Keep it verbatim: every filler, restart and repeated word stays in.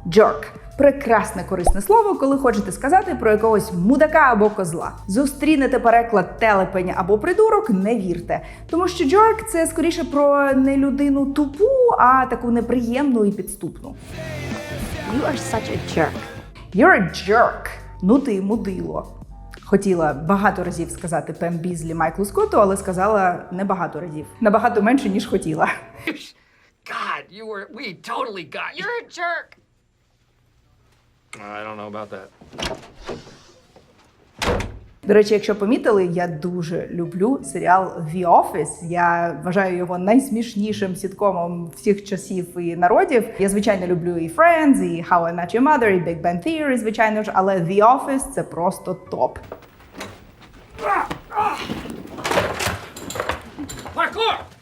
Jerk. Прекрасне корисне слово, коли хочете сказати про якогось мудака або козла. Зустрінете переклад телепень або придурок, не вірте. Тому що jerk – це скоріше про не людину тупу, а таку неприємну і підступну. You are such a jerk. You're a jerk. Ну ти мудило. Хотіла багато разів сказати Пем Бізлі Майклу Скотту, але сказала небагато разів. Набагато менше, ніж хотіла. God, you were, we totally got you. You're a jerk. I don't know about that. До речі, якщо помітили, я дуже люблю серіал The Office. Я вважаю його найсмішнішим сіткомом всіх часів і народів. Я, звичайно, люблю і Friends, і How I Met Your Mother, і Big Bang Theory, звичайно ж, але The Office – це просто топ. Parkour!